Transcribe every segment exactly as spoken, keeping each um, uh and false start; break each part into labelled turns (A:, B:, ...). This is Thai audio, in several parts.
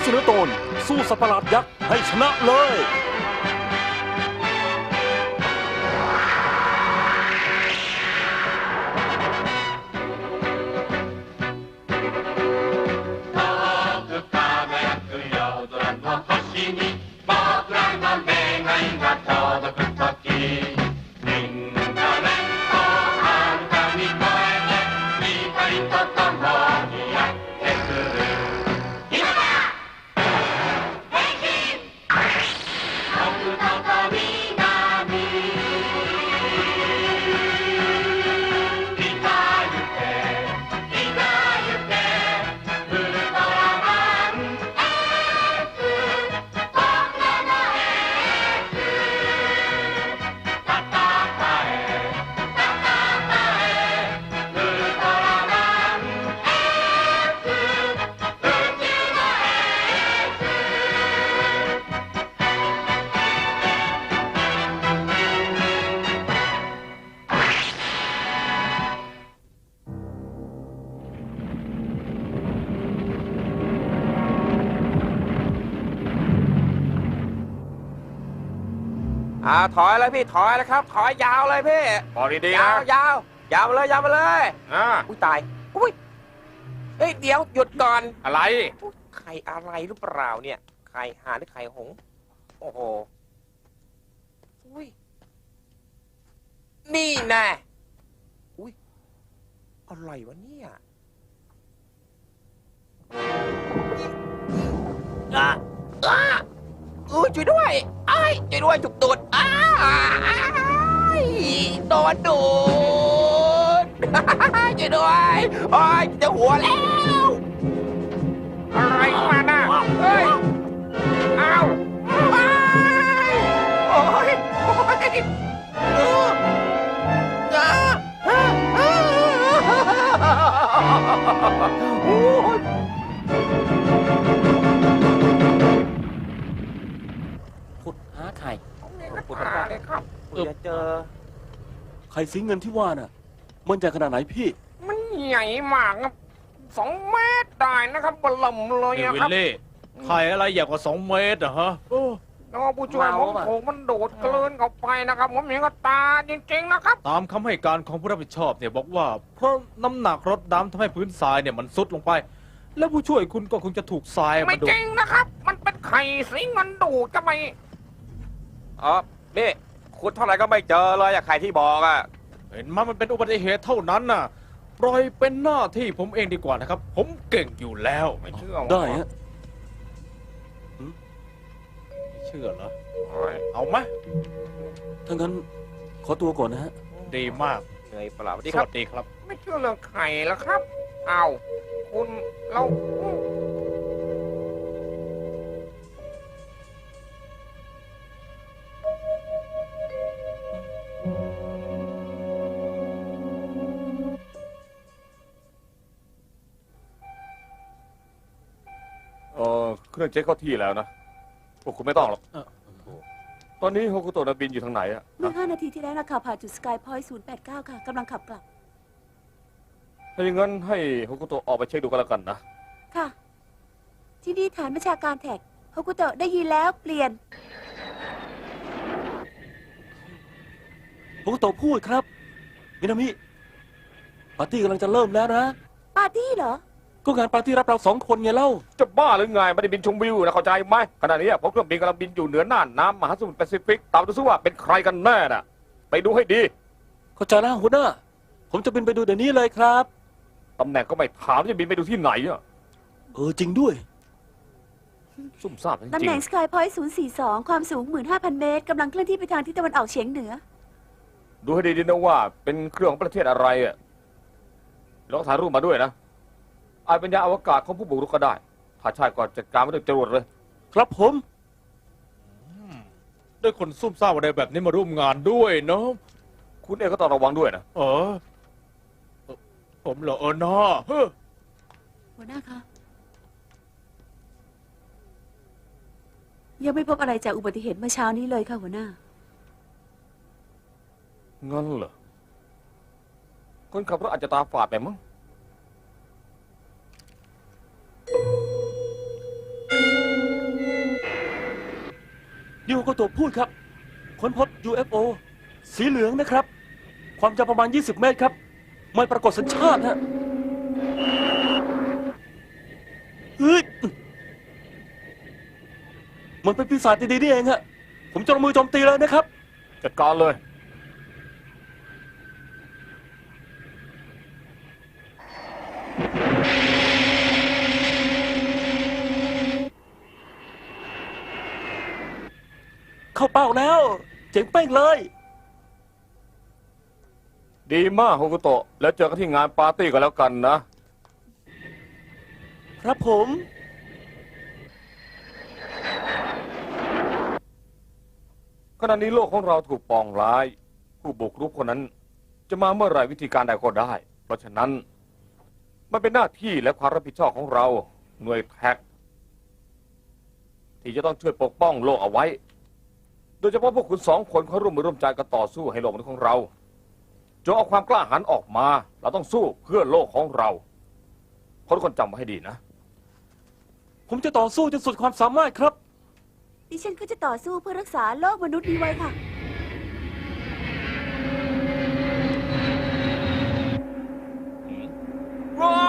A: เสนอตอนสู้สัตว์ประหลาดยักษ์ให้ชนะเลย
B: อ่าถอยเลยพี่ถอยเลยครับถอยยาวเลยพี่
C: พอดีๆ
B: ยา
C: นะ
B: วยาวยาวมาเลยยาวมาเลย
C: อ่า
B: อุ้ยตายอุ้ยเอ้ยเดี๋ยวหยุดก่อน
C: อะไร
B: ไข่อะไรหรือเปล่าเนี่ยไข่ห่านหรือไข่หงส์โอ้โหอุ้ยนี่แน่อุ้ยอะไรวะเนี่ยอ่ะอ่ะอู้ช่วยด้วยไอ้ช่วยด้วยจุกตูดอ้าโดนดูดช่วยด้วยโอ้ยจะหัวแล้วอะไรมาน่ะเฮ้ยเอาไปโอ้ยโอ้ยเออโอ้ยขุดหาไข่ขุดหาเลยครับจะเจอ
A: ไข่สีเงินที่ว่าน่ะมันใหญ่ขนาดไหนพี่
D: มันใหญ่มากครับสองเมตรได้นะครับบลมเลย
E: นี่
D: นะ
E: วิ
D: ค
E: ล
D: รับ
E: ลี่ไข่อะไรใหญ่กว่าสองเมตรอะฮะโอ้
D: แล้วผู้ช่วยผมถูกมันดูดกลืนเข้าไปนะครับผมเห็นกับตาจริงๆนะครับ
E: ตามคำให้การของผู้รับผิดชอบเนี่ยบอกว่าเพราะน้ำหนักรถดำทำให้พื้นทรายเนี่ยมันซุดลงไป แล้วผู้ช่วยคุณก็คงจะถูกทราย
D: ไม่
E: มาดู
D: จ
E: ด
D: ริงนะครับ มันเป็นไข่สีเงินดูดจะไป
B: อ๋อนี่ขุดเท่าไหร่ก็ไม่เจอเลยอะไข่ที่บอกอะ
E: เห็นไหมมันเป็นอุบัติเหตุเท่านั้นน่ะปล่อยเป็นหน้าที่ผมเองดีกว่านะครับ ผมเก่งอยู่แล้ว
D: ไม่เชื่อ
A: ได้ฮะ
E: ไม่เชื่อเหรอ
D: โอ้ย
E: เอาไหม
A: ถ้างั้นขอตัวก่อนนะฮะ
E: ดีมาก
B: เหนื่อยเปล่าสวัส
E: ส
B: ดีครับ
E: วัสดีครับ
D: ไม่เชื่อเรื่องไข่แล้วครับเอาคุณเรา
C: เออเครื่องเช็คเข้าที่แล้วนะพวกคุณไม่ต้องหรอก
A: เออ
C: ตอนนี้โฮกุโตะบินอยู่ทางไหนอะ
F: เมื่อห้านาทีที่แล้วนะคะผ่านจุดสกายพอยต์ศูนย์แปดเก้าค่ะกำลังขับกลับ
C: ถ้าอย่างนั้นให้โฮกุโตะออกไปเช็คดูกันแล้วกันนะ
F: ค่ะ ที่นี่ฐานบัญชาการแท็กฮกุโตะได้ยินแล้วเปลี่ยน
A: ผมก็ตพูดครับมินามิปาร์ตี้กำลังจะเริ่มแล้วนะ
F: ปาร์ตี้เหรอ
A: ก็งานปาร์ตี้รับเราสองคนไงเล่า
C: จะบ้าหรือไงไม่ได้บินชมวิวนะเข้าใจไหมขณะนี้ผมเครื่องบินกำลังบินอยู่เหนือน่านน้ำมหาสมุทรแปซิฟิกตามดูซิว่าเป็นใครกันแน่น่ะไปดูให้ดี
A: เข้าใจแล้วหัวหน้าผมจะบินไปดูเดี๋ยวนี้เลยครับ
C: ตำแหน่งก็ไม่ถามจะบินไปดูที่ไหนอะ
A: เออจริงด้วย
C: ซุ่มซ่ามจ
F: ตำ
C: ริ
F: แห
C: ง
F: น่งสกายพอยต์ศูนย์สี่สองความสูง หนึ่งหมื่นห้าพัน เมตรกำลังเคลื่อนที่ไปทางทิศตะวันออกเฉียงเหนือ
C: ๆดูให้ดีๆนะว่าเป็นเครื่องของประเทศอะไรอะลองถ่ายรูปมาด้วยนะอาจเป็นยานอวกาศของผู้บุกรุกก็ได้ถ้าใช่ก็จัดการไม่ต้องจรวดเลย
A: ครับผม
E: ได้คนซุ่มซ่ามอะไรแบบนี้มาร่วมงานด้วยเนาะ
C: คุณเองก็ต้องระวังด้วยนะ
E: เออเอ่อผมเหรอเออน้าเฮ้อ
F: หัวหน้าคะยังไม่พบอะไรจากอุบัติเหตุเมื่อเช้านี้เลยค่ะหัวหน้า
C: งั้นเหรอคนขับรถอาจจะตาฝาดไปมั้ง
A: นิวก็ตัวพูดครับ ค้นพบ ยู เอฟ โอ สีเหลืองนะครับ ความยาวประมาณ ยี่สิบ เมตรครับ ไม่ปรากฏสัญชาติฮะเฮ้ยมันเป็นปีศาจดีๆนี่เองฮะ ผมจะลงมือโจมตีเลยนะครับ
C: จัดการเลย
A: เข้าเป้าแล้ว เจ๋งเป้งเลย
C: ดีมากโฮกุโตะแล้วเจอกันที่งานปาร์ตี้กันแล้วกันนะ
A: ครับผม
C: ขณะนี้โลกของเราถูกปองร้าย ผู้บุกรุกคนนั้น จะมาเมื่อไหร่วิธีการใดก็ได้ เพราะฉะนั้น มันเป็นหน้าที่และความรับผิดชอบของเราหน่วยแท็กที่จะต้องช่วยปกป้องโลกเอาไว้ โดยเฉพาะพวกคุณสองคนเขาร่วมมือร่วมใจกันต่อสู้ให้โลกมนุษย์ของเราจงเอาความกล้าหาญออกมา เราต้องสู้เพื่อโลกของเราทุกคนจำไว้ให้ดีนะ
A: ผมจะต่อสู้จนสุดความสามารถครับ
F: ดิฉันก็จะต่อสู้เพื่อรักษาโลกมนุษย์นี้ไว้ค่ะ
B: ว้า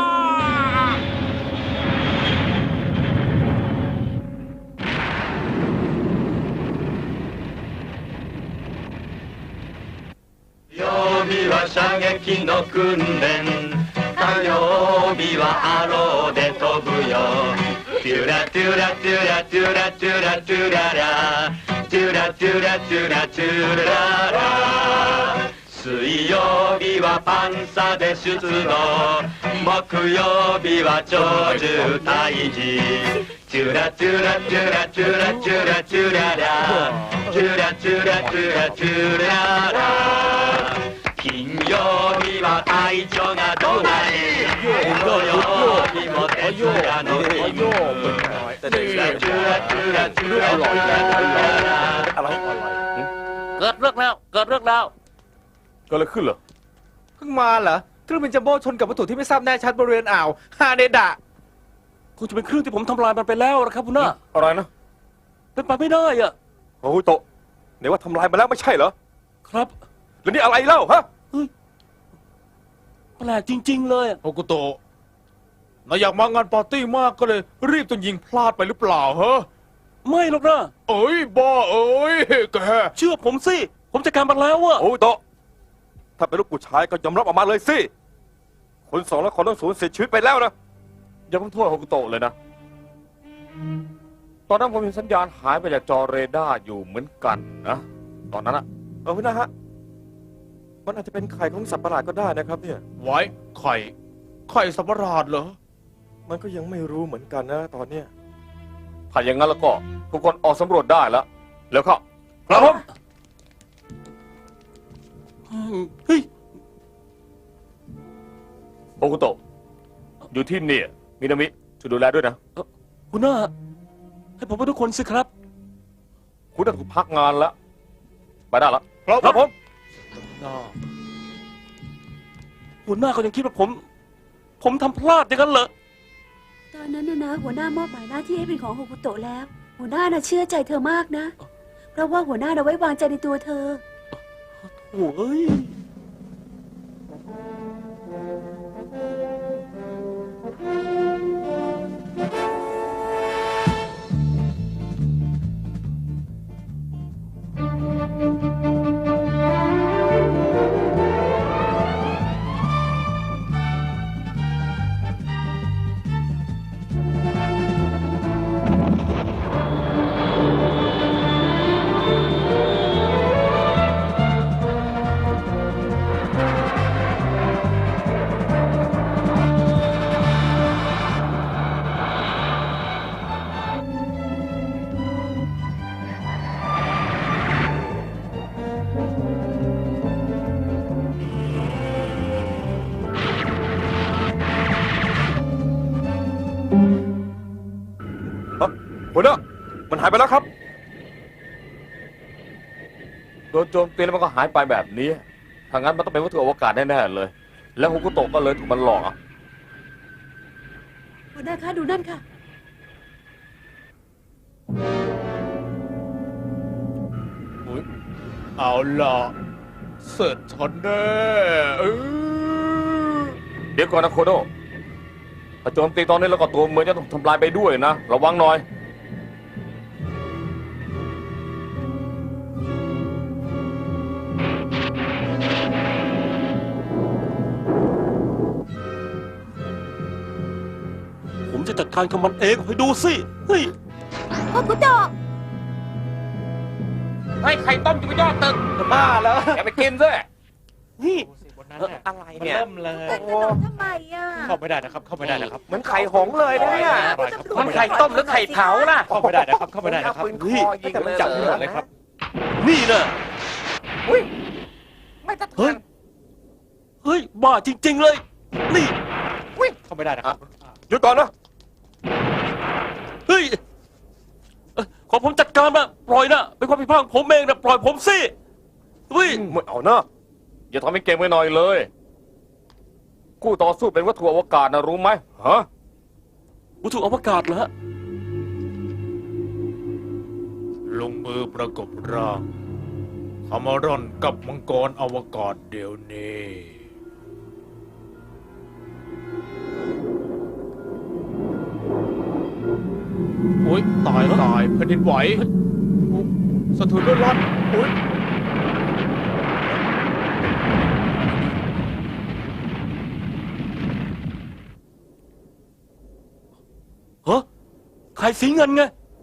G: 曜日は射撃の訓練火曜日はアローで飛ぶよトゥラトゥラトゥラトゥラトゥラトゥララトゥラトゥラトゥラトゥララ水曜日はパンサで出動木曜日は鳥獣退治トゥラトゥラトゥラトゥラトゥラトゥララトゥラトゥラトゥラトゥララ金曜日は隊長が怒鳴り土曜日も徹夜の勤務トゥラトゥラトゥラトゥラトゥラトゥラ
C: อะไรอะไร
A: เกิดเรื่องแล้ว เกิดเรื่องแล้ว
C: เกิดอะไรขึ้นเหรอ
E: เพิ่งมาเหรอเครื่องบินจัมโบ้ชนกับวัตถุที่ไม่ทราบแน่ชัดบริเวณอ่าวฮาเดดะ
A: คงจะเป็นเครื่องที่ผมทำลายมันไปแล้วนะครับคุณน้า
C: อะไรนะ
A: เป็นไปไม่ได้อะ
B: โอ้โหโตะไหนว่าทำลายมาแล้วไม่ใช่เหรอ
A: ครับ
B: แล้วนี่อะไรเล่าฮะ
A: แปลกจริง ๆ เลยอะ
E: โฮกุโตะนายอยากมางานปาร์ตี้มากก็เลย รีบจนยิงพลาดไปหรือเปล่าฮะ
A: ไม่หรอกนะ
E: เอ้ยบ้าเอ้ยแก
A: เชื่อผมสิ ผมจัดการมันแล้วอะ
B: โอ้โหโตะถ้าเป็นลูกผู้ชายก็ยอมรับออกมาเลยสิคนสองแล้วคนต้องสูญเสียชีวิตไปแล้วนะ
C: อย่าเพิ่งโทษโฮกุโตะเลยนะ ตอนนั้นผมเห็นสัญญาณหายไปจากจอเรดาร์อยู่เหมือนกันนะ ตอนนั้นอะ
B: เออพี่นะฮะมันอาจจะเป็นไข่ของสัตว์ประหลาดก็ได้นะครับเนี่ย
E: ไว้ไข่ไข่สับประหลาดเหรอ
B: มันก็ยังไม่รู้เหมือนกันนะตอนเนี้ย
C: ถ้าอย่างนั้นแล้วก็ทุกคนออกสำรวจได้แล้ว แล้วเข้า
B: ครับผม
A: อืมเฮ้ย
C: โอคุโตะอยู่ที่นี่มินามิช่วยดูแลด้วยนะ
A: คุณน้าให้ผมไปทุกคนสิครับ
C: คุณต้องถูกพักงานแล้ว ไปได้แล้ว
B: ครับผม
A: หัวหน้าเขายังคิดว่าผม ผมทำพลาดอย่างนั้นเหรอ
F: ตอนนั้นนะนะหัวหน้ามอบหมายหน้าที่ให้เป็นของโฮกุโตะแล้ว หัวหน้าน่ะเชื่อใจเธอมากนะ เพราะว่าหัวหน้าน่ะไว้วางใจในตัวเธอ
A: โอ้ย
B: หัวหน้ามันหายไปแล้วครับ
C: โดนโจมตีแล้วมันก็หายไปแบบนี้ ถ้างั้นมันต้องเป็นวัตถุอวกาศแน่ๆเลย แล้วโฮกุโตะก็เลยถูกมันหลอกอ่ะ
F: หัวหน้าคะดูนั่นค่ะ
E: เอาล่ะเสร็จฉันแน่เออ
C: เดี๋ยวก่อนนะโคโดถ้าโจมตีตอนนี้แล้วก็ตัวเมืองจะต้องทำลายไปด้วยนะ ระวังหน่อย
A: ผมจะจัดการกับมันเองให้ดูสิเฮ้ย
F: โอคุโตะ
B: เฮ้ยไข่ต้มอยู่บนยอดตึก
E: บ้าแล้ว
B: อย่าไปกินซะ
A: นี่
E: บนนั้น
B: อะไร
E: มัน
B: เนี่ย
E: เริ่มเลย
F: แต่ขนมทำไมอ่ะ
E: เข้าไม่ได้นะครับ เข้าไม่ได้นะครับ
B: เหมือนไข่หงส์เลยนะเนี่ย
D: มันไข่ต้มหรือไข่เผาล่ะ
E: เข้าไม่ได้นะครับ เข้าไม่ได้นะครับ
B: ปืนคอยิง
E: แต่มันจับไม่หมดเลยครับ
A: นี่นะ
B: อุ้ยไม่ทัน
A: เฮ้ย เฮ้ย บ้าจริง ๆ เลย นี่
E: เข้าไม่ได้นะครับ
C: หยุดก่อนนะ
A: เฮ้ยเอ่อขอผมจัดการมาปล่อยนะเป็นความผิดพลาดของผมเองนะปล่อยผมสิเฮ้ย
C: ไม่เอานะอย่าทำให้เก่งไปหน่อยเลยคู่ต่อสู้เป็นวัตถุอวกาศนะรู้ไหมฮะ
A: วัตถุอวกาศเหรอฮะ
E: ลงมือประกบร่างคามารอนกับมังกรอวกาศเดี๋ยวนี้โอ้ยตายตายแผ่นดินไหวอุ๊ยสะเทือนเลื่อนลั่นโอ้ย
A: ฮะไข่สีเงินไง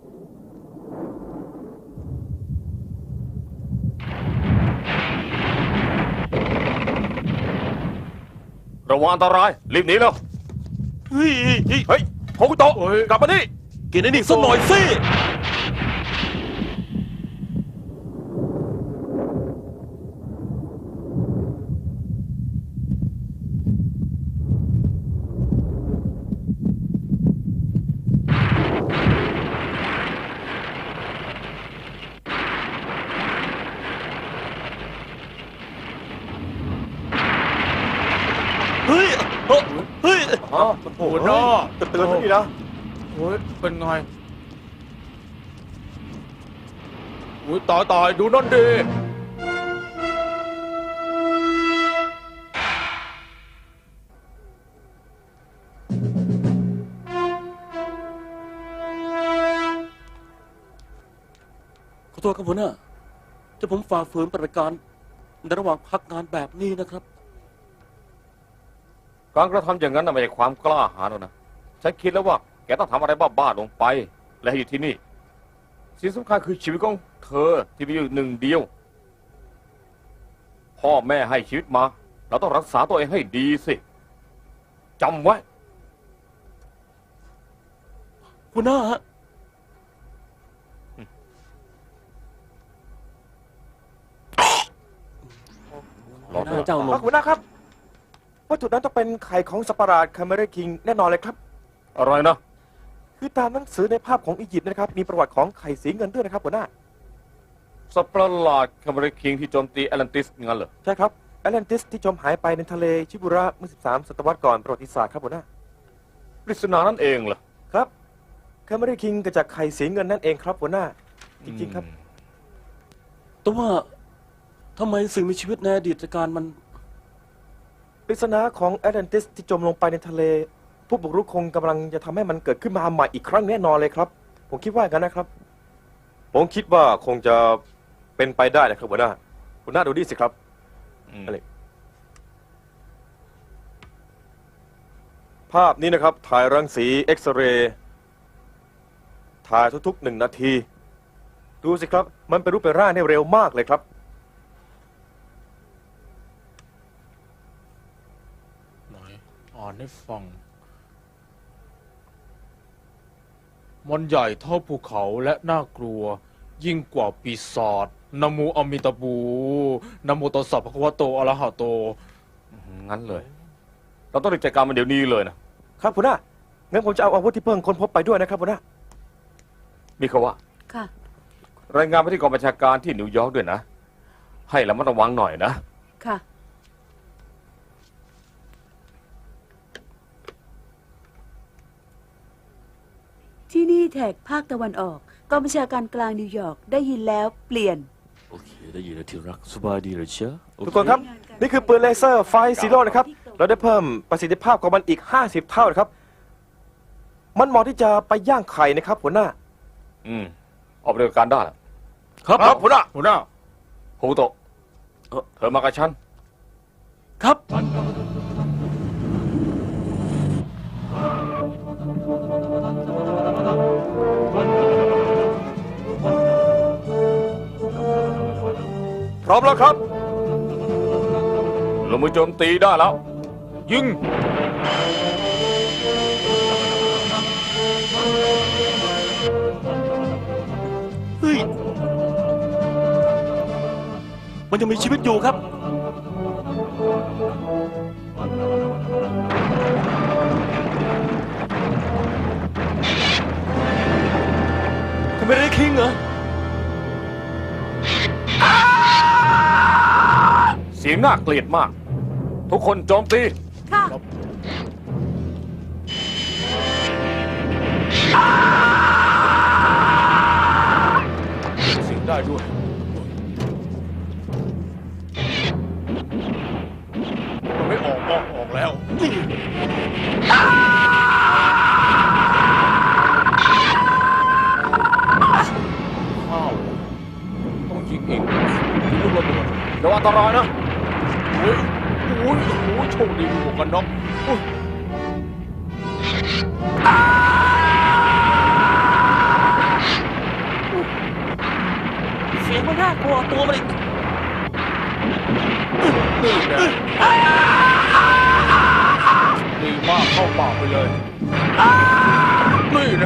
C: ระวังอันตราย รีบหนีแล้ว
A: เฮ้ยเฮ้ย
C: เฮ้ยโคกุโตะกลับมานี่
A: กินไอ้นี่สักหน่อยสิ เฮ้ยเอ้อเฮ้ย
C: อ๋อ
E: โอ้โหน้อ
C: จะเตือนซะดีนะ
E: โอ้ยเป็นไงโอ้ยตายตายดูนั่นดิ
A: ขอโทษครับหัวหน้าที่ผมฝ่าฝืนปฏิบัติการในระหว่างพักงานแบบนี้นะครับ
C: การกระทำอย่างนั้นน่ะไม่ใช่ความกล้าหาญหรอกนะฉันคิดแล้วว่าแกต้องทำอะไรบ้าๆลงไป และให้อยู่ที่นี่สิ่งสำคัญคือชีวิตของเธอที่มีอยู่หนึ่งเดียว พ่อแม่ให้ชีวิตมา เราต้องรักษาตัวเองให้ดีสิจำไว้
A: หัวหน้าฮะ
C: รอเถอะ
A: เจ้าหลง
B: หัวหน้าครับวัตถุนั้นต้องเป็นไข่ของสัตว์ประหลาดคาเมเรคิงแน่นอนเลยครับ
C: อะไรนะ
B: คือตามหนังสือในภาพของอียิปต์นะครับ มีประวัติของไข่สีเงินด้วยนะครับหัวหน้า
C: สัตว์ประหลาดคาเมเรคิงที่โจมตีแอตแลนติสงั้นเหรอ
B: ใช่ครับแอตแลนติสที่จมหายไปในทะเลชิบุระเมื่อ สิบสาม ศตวรรษก่อนประวัติศาสตร์ครับหัวหน้า
C: ปริศนานั่นเองเหรอ
B: ครับคาเมเรคิงเกิดจากไข่สีเงินนั่นเองครับหัวหน้า จริงๆครับ
A: แต่ว่าทำไมสิ่งมีชีวิตในอดีตการมัน
B: ปริศนาของแอตแลนติสที่จมลงไปในทะเล ผู้บุกรุกคงกำลังจะทำให้มันเกิดขึ้นมาใหม่อีกครั้งแน่นอนเลยครับ ผมคิดว่าอย่างนั้นนะครับ ผมคิดว่าคงจะเป็นไปได้นะครับหัวหน้าหัวหน้าดูดิสิครับ
C: อืม
B: อะไร ภาพนี้นะครับ ถ่ายรังสีเอ็กซเรย์ถ่ายทุกๆหนึ่งนาที ดูสิครับ มันเป็นรูปเป็นร่างได้เร็วมากเลยครับ
E: ไหนอ่านให้ฟัง มันใหญ่เท่าภูเขาและน่ากลัว ยิ่งกว่าปีศาจนะโมอมิตาบูนะโมตัสสะภะคะวะโตอะระหะโต
C: งั้นเลย เราต้องรีบจัดการมันเดี๋ยวนี้เลยนะครับ
B: หัวหน้างั้นผมจะเอาอาวุธที่เพิ่งค้นพบไปด้วยนะครับหัวหน้า
C: มีเขาว่า
F: ค่ะ
C: รายงานไปที่กองบัญชาการที่นิวยอร์กด้วยนะ ให้ระมัดระวังหน่อยนะ
F: ค่ะ ที่นี่แท็กภาคตะวันออกกองบัญชาการกลางนิวยอร์กได้ยินแล้วเปลี่ยน
A: โอเคได้ยินแล้วที่รักสบายดีเลยเชียวโอเ
H: ทุกคนครับ นี่คือปืนเลเซอร์ไฟซีโร่นะครับ เราได้เพิ่มประสิทธิภาพของมันอีก ห้าสิบ เท่านะครับ มันเหมาะที่จะไปย่างไข่นะครับหัวหน้า
C: อืมออกปฏิบัติการได้แล้ว
A: ครับ
C: ครับหัวหน้า
E: หัวหน้า
C: โฮโตะ
A: เอ่อ
C: เธอมากับฉัน
A: ครับ
H: พร้อมแล้วครับ
C: ลงมือโจมตีได้แล้ว
E: ยิง
A: เฮ้ย มันยังมีชีวิตอยู่ครับ ทำไมได้คิงเหรอ
C: เสียงน่าเกลียดมาก ทุกคนโจมตี
F: ค่ะ
E: เสียงได้ด้วย มันไม่ออกออกออกแล้ว ข้าว ต้องยิงอีกยิงลูกระเบิด
C: ระวังอันตรายนะ
E: โอ้ยโอ้ยโอ้ยโชคดีมีหมวกกันน็อกโอ้ย
A: เสียงมันน่ากลัวตัวมันอีก
E: นี่แน่ดีมากเข้าปากไปเลย นี่นะ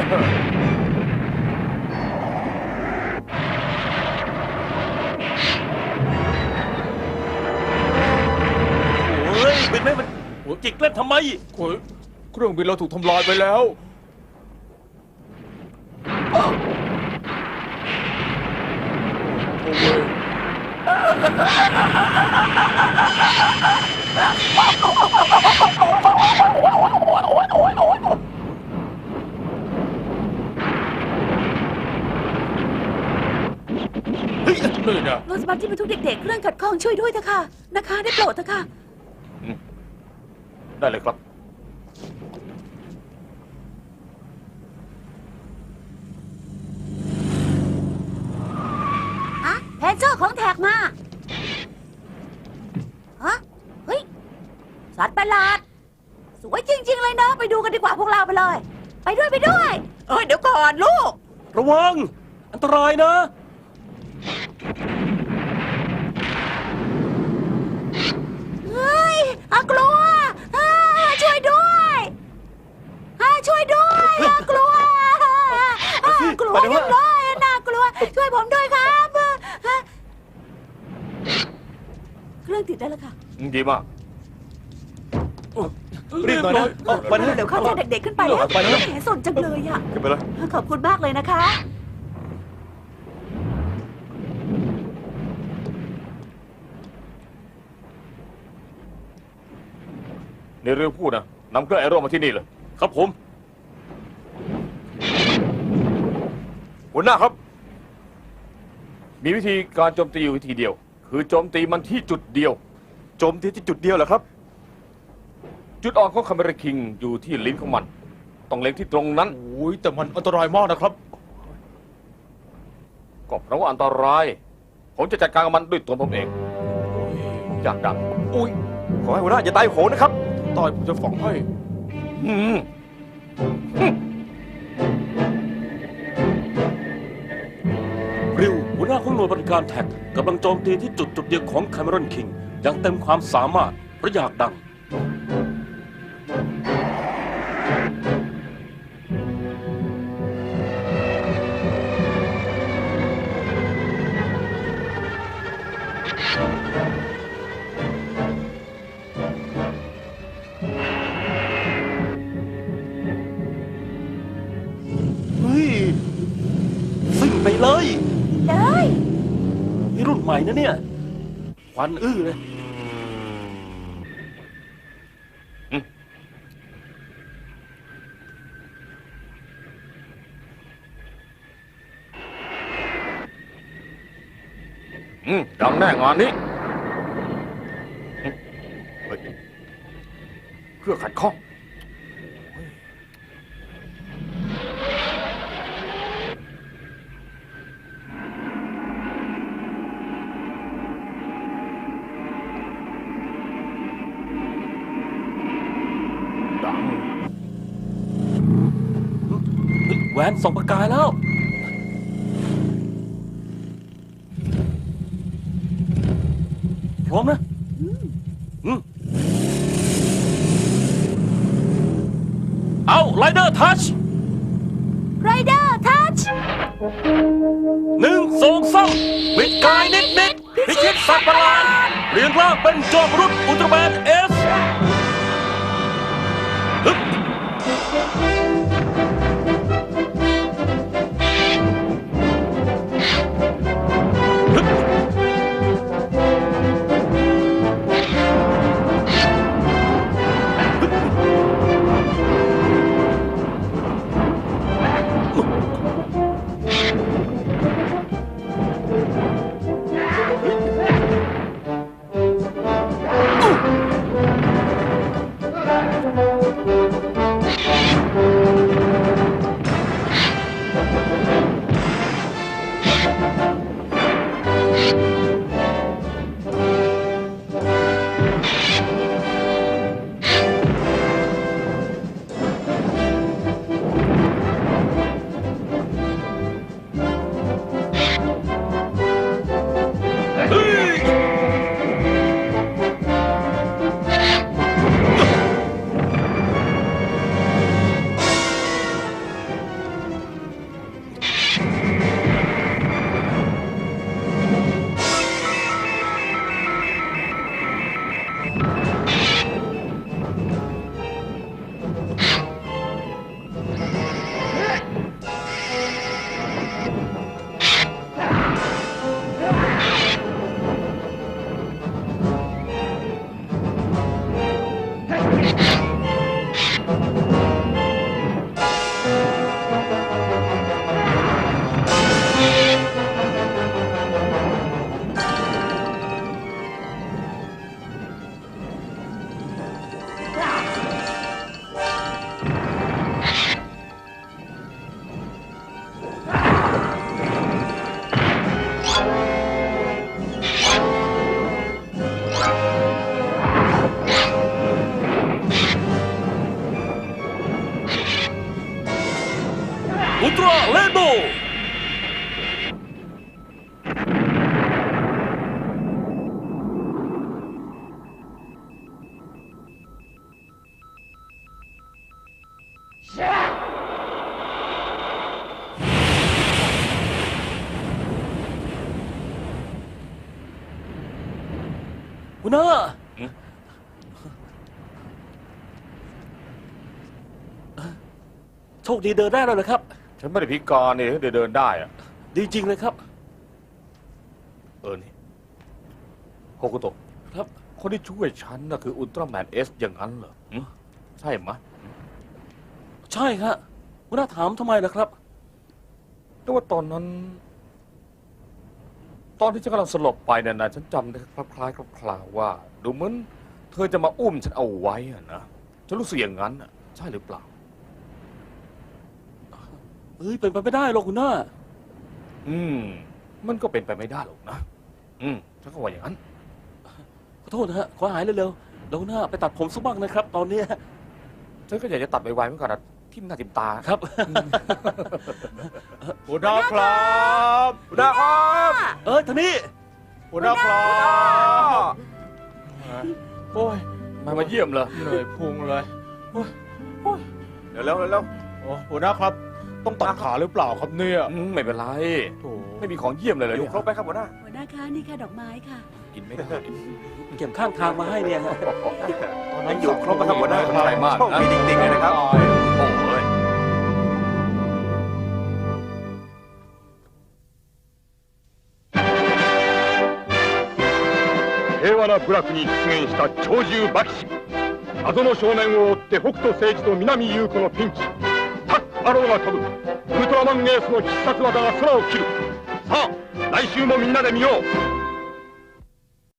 A: โอ้ยเป็นไหมมันจิกเล่นทำไม
E: โอ้ยเครื่องบินเราถูกทำลายไปแล้ว โอ้ย นี่นะ
F: รถสบัสที่บรรทุกเด็กๆ เครื่องขัดข้องช่วยด้วยเถอะค่ะ นะคะ ได้โปรดเถอะค่ะ
C: ได้เลยครับ
F: อะแพนเซอร์ของแท็กมา ฮะ เฮ้ย สัตว์ประหลาด สวยจริง ๆ เลยเนาะ ไปดูกันดีกว่าพวกเราไปเลย ไปด้วยไปด้วย เอ้ย เดี๋ยวก่อนลูก
A: ระวัง อันตรายนะ
F: เฮ้ยอากลัวอ่าช่วยด้วยอ่าช่วยด้วยอากลัวอ่ากลัวจังเลยน่ากลัว ช่วยผมด้วยครับอ่าเครื่องติดได้แล้วค่ะ
C: ดีมาก
H: รีบหน่อยนะเอาไปนะ
F: เดี๋ยวเข้าใจเด็กๆขึ้นไปแล้ว
H: ไปนะ
F: แหมสนจังเลยอ่ะ
H: ขึ้นไปเลย
F: ขอบคุณมากเลยนะคะ
C: ในเรื่องพูดนะนำเครื่องแอโร่มาที่นี่เลย
A: ครับผม
H: หัวหน้าครับ
C: มีวิธีการโจมตีอยู่วิธีเดียว คือโจมตีมันที่จุดเดียว
H: โจมที่ที่จุดเดียวเหรอครับ
C: จุดอ่อนของคาเมราคิงอยู่ที่ลิ้นของมัน ต้องเล็งที่ตรงนั้น
E: โอ้ยแต่มันอันตรายมากนะครับ
C: ก็เพราะว่าอันตราย ผมจะจัดการกับมันด้วยตัวผมเอง อยากดัง
E: อุ้ย
H: ขอให้หัวหน้าอย่าตายโหงนะครับ
E: ตายผมจะฝังให้
C: อืม
A: ริวหัวหน้าของหน่วยบริการแท็กกำลังโจมตีที่จุดจุดเดียวของแคม e รอนคิงอย่างเต็มความสามารถเพราะอยากดัง เฮ้ยซิ่งไปเลย
F: เลย
A: นี่รุ่นใหม่นะเนี่ย ควันอื้อเลย
C: ออืมดังแน่งานนี้เฮ้ยเพื่อขัดข้อง ดัง
A: เฮ้ยแหวนส่องประกายแล้ว พร้อมนะ อืมเอาไลเดอร์ทัช
F: ไรเดอร์ทัช
A: หนึ่งสองสามวิดกายนิดนิดพิชิตสัตว์ประหลาดเรียงร่างเป็นจอมมนุษย์อุลตร้าแมนเอสฮึบฮึบเฮ้ย อุลตร้าเลนโบว์หัวหน้าโชคดีเดินได้แล้วเหรอครับ
C: ฉันไม่ได้พิการนี่เดินเดินได้อะ
A: ดีจริงเลยครับ
C: เออนี่โฮกุโตะ
A: ครับ
C: คนที่ช่วยฉันน่ะคืออุลตร้าแมนเอสอย่างนั้นเหรอหึใช่ไหมะ
A: ใช่ครับหัวหน้าถามทำไมล่ะครับ
C: แต่ว่าตอนนั้น ตอนที่ฉันกำลังสลบไปเนี่ยนะฉันจำได้คล้ายๆคลาวๆว่า ดูเหมือนเธอจะมาอุ้มฉันเอาไว้อะนะฉันรู้สึกอย่างนั้นอะใช่หรือเปล่า
A: เอ้ยเป็นไปไม่ได้หรอกหัวหน้า
C: อืม มันก็เป็นไปไม่ได้หรอกนะ อืมฉันก็ว่าอย่างนั้น
A: ขอโทษนะฮะ ขอหายเร็วๆแล้วหัวหน้าไปตัดผมสักบ้างนะครับ ตอนเนี้ย
C: ฉันก็อยากจะตัดไวๆเหมือนกันนะทิ่มหน้าทิ่มตา
A: ครับ
E: หัวหน้าครับ
H: หัวหน้าครับ
A: เออท่านี้
E: หัวหน้าครับโอ้ย
C: มามาเยี่ยมเลย
E: เหนื่อยพุงเลยโอ้ย
H: เร็วเร็วเร็ว
E: โอ้หัวหน้าครับ ต้องตัดขาหรือเปล่าครับเนี่ย
C: อืมไม่เป็นไร
E: โถ่
C: ไม่มีของเยี่ยมเลยเลย
H: อยู่ครบไปครับหัวหน้า
F: หัวหน้าคะนี่ค่ะดอกไม้ค่ะ
C: กินไม่ได้
A: เก็บข้างทางมาให้เนี่ยฮะ
H: ยังอยู่ครบนะครับหัวหน้า
C: ขอบใจมาก
H: โชคดีจริงๆเลยนะครับ
C: โอ้ย
I: 平和な部落に出現した鳥獣馬騎士謎の少年を追って北斗星司と南優子のピンチタッアローが飛ぶウルトラマンエースの必殺技が空を切るさあ来週もみんなで見よう